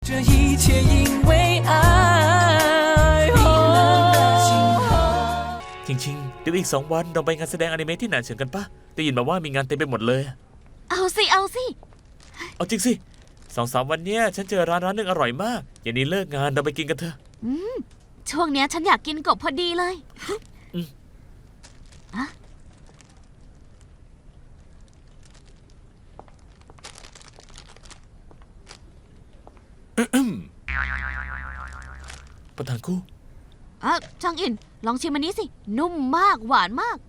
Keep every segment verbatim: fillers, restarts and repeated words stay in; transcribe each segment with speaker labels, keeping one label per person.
Speaker 1: 这一切因为爱。
Speaker 2: จริงๆเดี๋ยวอีกสองวันเราไปงานแสดงอนิเมะที่หนานเฉิงกันปะได้ยินมาว่ามีงานเต็มไปหมดเลย
Speaker 3: เอาสิเอาสิ
Speaker 2: เอาจริงสิสองสามวันเนี้ยฉันเจอร้านร้านหนึงอร่อยมากอย่างนี้เลิกงานเราไปกินกันเถอะ
Speaker 3: อืมช่วงเนี้ยฉันอยากกินกบพอดีเลยอะ
Speaker 2: ประธานคู่
Speaker 3: อ่ะจางอินลองชิมอันนี้สิ นุ่มมากหวานมาก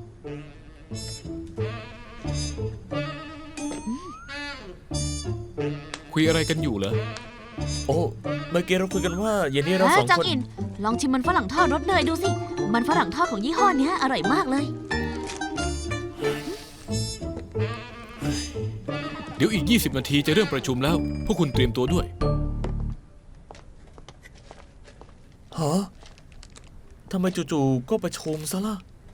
Speaker 4: คุยอะไรกันอยู่เหรอ
Speaker 2: โอ้เมื่อกี้เราคุยกันว่าเย็นนี้เรา
Speaker 3: เอ้
Speaker 2: ส
Speaker 3: ย
Speaker 2: อง
Speaker 3: จาง
Speaker 2: คน
Speaker 3: อิน ลองชิมมันฝรั่งทอดรสเนยดูสิ มันฝรั่งทอดของยี่ห้อเนี้ยอร่อยมากเลย
Speaker 4: เดี๋ยวอีก ยี่สิบ นาทีจะเริ่มประชุมแล้ว พวกคุณเตรียมตัวด้วย
Speaker 2: ฮะทำไมจู่ๆก็ประชุมซะล่ะ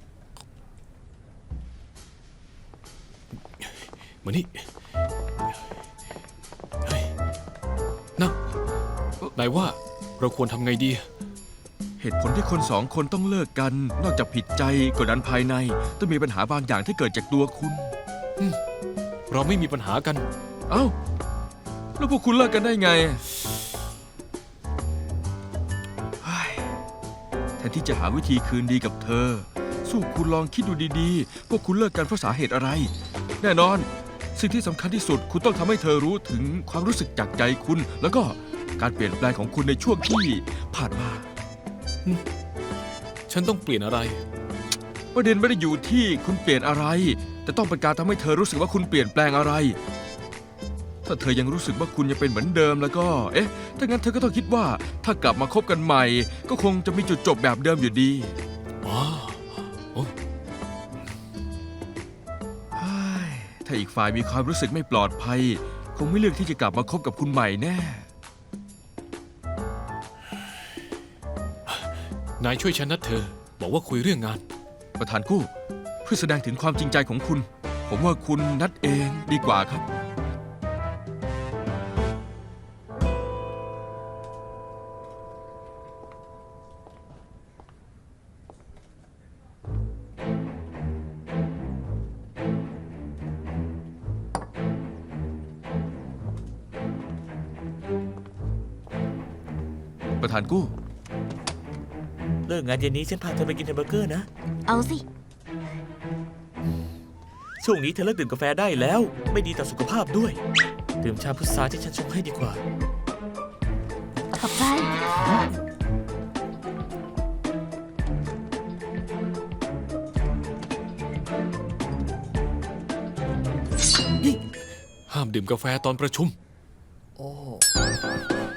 Speaker 4: มานี่เฮ้ยนั่งนายว่าเราควรทำไงดี
Speaker 5: เหตุผลที่คนสองคนต้องเลิกกัน นอกจากผิดใจกดดันภายใน ต้องมีปัญหาบางอย่างที่เกิดจากตัวคุณ
Speaker 4: เราไม่มีปัญหากัน
Speaker 5: เอ้า แล้วพวกคุณเลิกกันได้ไงเฮ้ยแทนที่จะหาวิธีคืนดีกับเธอ สู้คุณลองคิดดูดีๆ พวกคุณเลิกกันเพราะสาเหตุอะไร แน่นอน สิ่งที่สำคัญที่สุดคุณต้องทำให้เธอรู้ถึงความรู้สึกจากใจคุณ แล้วก็การเปลี่ยนแปลงของคุณในช่วงที่ผ่านมา
Speaker 4: ฉันต้องเปลี่ยนอะไร
Speaker 5: ประเด็นไม่ได้อยู่ที่คุณเปลี่ยนอะไร แต่ต้องเป็นการทำให้เธอรู้สึกว่าคุณเปลี่ยนแปลงอะไร ถ้าเธอยังรู้สึกว่าคุณยังเป็นเหมือนเดิมแล้วก็ เอ๊ะ ถ้างั้นเธอก็ต้องคิดว่า ถ้ากลับมาคบกันใหม่ ก็คงจะมีจุดจบแบบเดิมอยู่ดี
Speaker 4: อ๋อโอ้
Speaker 5: เฮ้ยถ้าอีกฝ่ายมีความรู้สึกไม่ปลอดภัย คงไม่เลือกที่จะกลับมาคบกับคุณใหม่แน่
Speaker 4: นายช่วยฉันนัดเธอ บอกว่าคุยเรื่องงาน
Speaker 5: ประธานกู้เพื่อแสดงถึงความจริงใจของคุณ ผมว่าคุณนัดเองดีกว่าครับ ประธานกู้
Speaker 2: เลิกงานเย็นนี้ฉันพาเธอไปกินแฮมเบอร์เกอร์นะ
Speaker 3: เอาสิ
Speaker 2: ช่วงนี้เธอเลิกดื่มกาแฟได้แล้ว ไม่ดีต่อสุขภาพด้วย ดื่มชาพุทราที่ฉันชงให้ดีกว่า
Speaker 3: ขอบใจ
Speaker 4: ห้ามดื่มกาแฟตอนประชุม
Speaker 2: โอ้